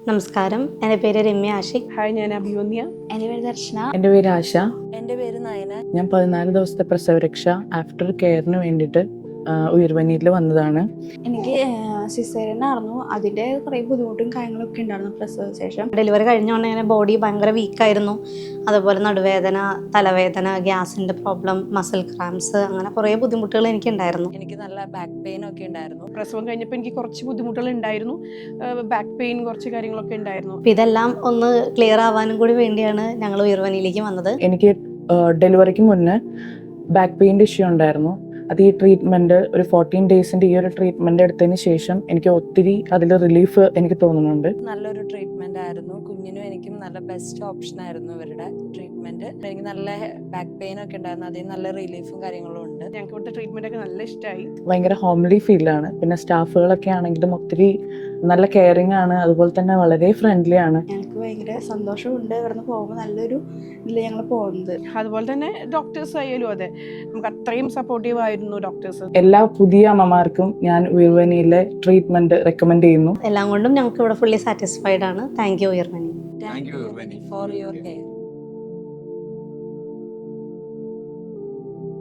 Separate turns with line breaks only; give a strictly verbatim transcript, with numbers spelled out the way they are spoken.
നമസ്കാരം, എൻ്റെ പേര് രമ്യ ആഷിഖ്.
ഹായ്, ഞാൻ അഭിമന്യ.
എൻ്റെ പേര് ദർശന.
എൻ്റെ പേര് ആശ.
എൻ്റെ പേര് നയന.
ഞാൻ പതിനാല് ദിവസത്തെ പ്രസവരക്ഷ ആഫ്റ്റർ കെയറിന് വേണ്ടിയിട്ട് ഉയർവനിയിൽ വന്നതാണ്.
എനിക്ക് സിസേറിയൻ ആയിരുന്നു. അതിൻ്റെ കുറേ ബുദ്ധിമുട്ടും കാര്യങ്ങളൊക്കെ ഉണ്ടായിരുന്നു പ്രസവ ശേഷം.
ഡെലിവറി കഴിഞ്ഞുകൊണ്ട് ഇങ്ങനെ ബോഡി ഭയങ്കര വീക്കായിരുന്നു. അതുപോലെ നടുവേദന, തലവേദന, ഗ്യാസിൻ്റെ പ്രോബ്ലം, മസിൽ ക്രാംസ്, അങ്ങനെ കുറേ ബുദ്ധിമുട്ടുകൾ എനിക്കുണ്ടായിരുന്നു.
എനിക്ക് നല്ല ബാക്ക് പെയിൻ ഒക്കെ ഉണ്ടായിരുന്നു.
പ്രസവം കഴിഞ്ഞപ്പോൾ എനിക്ക് കുറച്ച് ബുദ്ധിമുട്ടുകൾ ഉണ്ടായിരുന്നു. ബാക്ക് പെയിൻ, കുറച്ച് കാര്യങ്ങളൊക്കെ ഉണ്ടായിരുന്നു.
അപ്പോൾ ഇതെല്ലാം ഒന്ന് ക്ലിയർ ആവാനും കൂടി വേണ്ടിയാണ് ഞങ്ങൾ ഉയർവനിയിലേക്ക് വന്നത്.
എനിക്ക് ഡെലിവറിക്ക് മുന്നേ ബാക്ക് പെയിൻ്റെ ഇഷ്യൂ ഉണ്ടായിരുന്നു. അത് ഈ ട്രീറ്റ്മെൻറ്റ് ഒരു ഫോർട്ടീൻ ഡേയ്സിൻ്റെ ഈ ഒരു ട്രീറ്റ്മെൻറ്റ് എടുത്തതിന് ശേഷം എനിക്ക് ഒത്തിരി അതിൽ റിലീഫ് എനിക്ക് തോന്നുന്നുണ്ട്.
നല്ലൊരു ട്രീറ്റ്മെന്റ് ആയിരുന്നു. കുഞ്ഞിനും എനിക്കും നല്ല ബെസ്റ്റ് ഓപ്ഷൻ ആയിരുന്നു ഇവരുടെ ട്രീറ്റ്മെന്റ്. എനിക്ക് നല്ല ബാക്ക് പെയിൻ ഒക്കെ ഉണ്ടായിരുന്നു. അതിൽ നല്ല റിലീഫും കാര്യങ്ങളും ഉണ്ട്.
ഞങ്ങൾക്ക് ഇവിടുത്തെ ട്രീറ്റ്മെന്റ് ഒക്കെ നല്ല ഇഷ്ടമായി.
ഭയങ്കര ഹോംലി ഫീലാണ്. പിന്നെ സ്റ്റാഫുകളൊക്കെ ആണെങ്കിലും ഒത്തിരി നല്ല കെയറിങ് ആണ്. അതുപോലെ തന്നെ വളരെ ഫ്രണ്ട്ലി ആണ്.
ഞങ്ങൾക്ക് ഭയങ്കര സന്തോഷമുണ്ട് ഇവിടുന്ന് പോകുമ്പോൾ. നല്ലൊരു ഇതിൽ ഞങ്ങൾ പോകുന്നത്.
അതുപോലെ തന്നെ ഡോക്ടേഴ്സ് ആയാലും അതെ, നമുക്ക് അത്രയും സപ്പോർട്ടീവ് ആയിരുന്നു ഡോക്ടേഴ്സ്.
എല്ലാ പുതിയ അമ്മമാർക്കും ഞാൻ ഉയർവനിയിലെ ട്രീറ്റ്മെന്റ് റെക്കമെൻഡ് ചെയ്യുന്നു.
എല്ലാം കൊണ്ടും ഞങ്ങൾക്ക് ഇവിടെ ഫുള്ളി സാറ്റിസ്ഫൈഡ് ആണ്. താങ്ക് യു ഉയർവനി.
Thank you for your care.